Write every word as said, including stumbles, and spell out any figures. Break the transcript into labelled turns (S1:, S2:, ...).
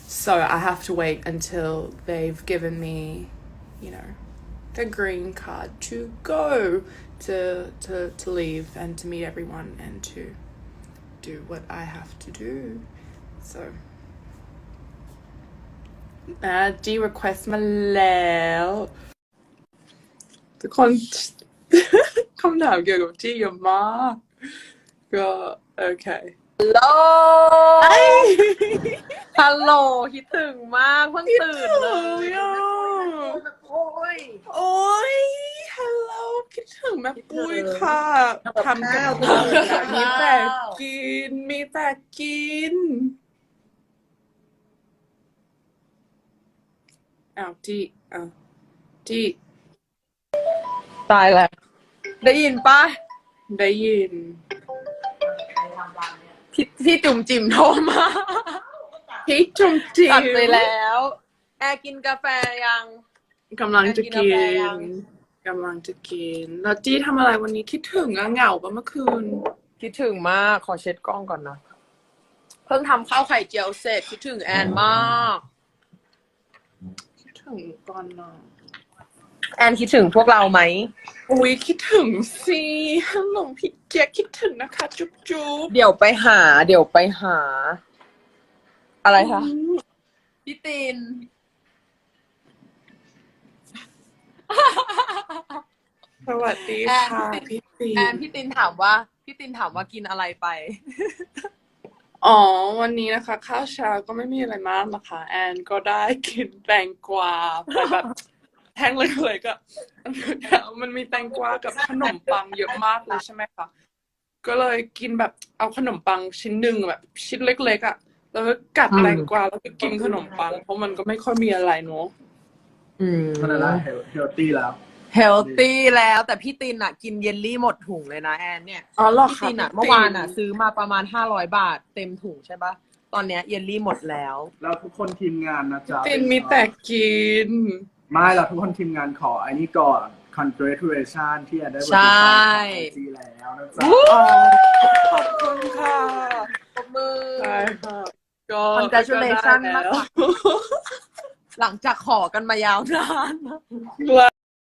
S1: so I have to wait until they've given me, you know, the green card to go to to to leave and to meet everyone and to do what I have to do. So, uh, G request มาแล้วทุกคน คำถามเกี่ยวกับจีเยอะมากก็โอเค
S2: ฮัลโหล ฮัลโหลคิดถึงมากเพิ่งตื่นเลย
S1: คิดถึงอ่ะ
S2: โอ้ย
S1: โอ้ยฮัลโหลคิดถึงแม่ปุ้ยค่ะทำกับ
S2: ข้า
S1: ข้าว วมีแต่กินมีแต่กินอ้าวจีอ้าวจี
S2: ตายแล้ว ได้ยินปะ
S1: ได้ยิน
S2: พี่พี่จุ่มจิ๋มโทรมา
S1: พี่จุ๋มจิ๋
S2: ตัด
S1: ม
S2: ไปแล้ว แอร์กินกาแฟยัง
S1: กำลังจะ
S2: กินกา
S1: กิ
S2: แฟยัง
S1: นกำลังจะกินแล้วจี้ทำอะไรวันนี้คิดถึงอะเหงาปะเมื่อคืน
S2: คิดถึงมากขอเช็ดกล้องก่อนนะ เพิ่งทำข้าวไข่เจียวเสร็จคิดถึงแอนมาก
S1: คิดถึงก่อนนะ
S2: แอนคิดถึงพวกเราไหม
S1: อุ้ยคิดถึงสิฮัลโหลพี่แจ๊คคิดถึงนะคะจุ๊บจุ๊บ
S2: เดี๋ยวไปหา เดี๋ยวไปหา อะไรคะพี่ติน
S1: สวัสดี
S2: แอน
S1: ค่ะพี่ตี
S2: แอนพี่ตินถามว่า พี่ตินถามว่ากินอะไรไป
S1: อ๋อวันนี้นะคะ ข้าวเช้าก็ไม่มีอะไรมากนะคะ แอนก็ได้กินแตงกวาไปแบบแท่งเลยๆก็มันมีแตงกวากับขนมปังเยอะมากเลยใช่ไหมคะก็เลยกินแบบเอาขนมปังชิ้นหนึ่งแบบชิ้นเล็กๆอ่ะแล้วก็กัด
S2: อืม
S1: แตงกวาแล้วก็กินขนมปังเพราะมันก็ไม่ค่อยมีอะไรเนอะ
S2: อืม
S3: มันอะไรเฮลตี้แล้ว
S2: เฮลตี้แล้วแต่พี่ตินอ่ะ กินเยลลี่หมดถุงเลยนะแอนเนี่ย
S1: อ๋อเหรอ
S2: พี่
S1: คะ
S2: ตินอ่ะ
S1: พี่
S2: เมื่อวานอ่ะ ซื้อมาประมาณห้าร้อยบาทเต็มถุงใช่ปะตอนเนี้ยเยลลี่หมดแล้ว
S3: แล้วทุกคนทีมงานนะจ๊ะ
S1: ตินมีแต่กิน
S3: ไม่เราทุกคนทีมงานขอไอ้นี่ก่อน congratulation ที่แอนได้บริ
S2: ใช่
S3: จาคไอจีแล้วนะจ๊ะ
S1: อ๋อขอบคุณค่ะ
S2: ปรบมือ
S1: ใช่ค่ะก็
S2: Congratulation
S1: ก็ได้แล้ว
S2: หลังจากขอกันมายาวนาน
S1: แล้ว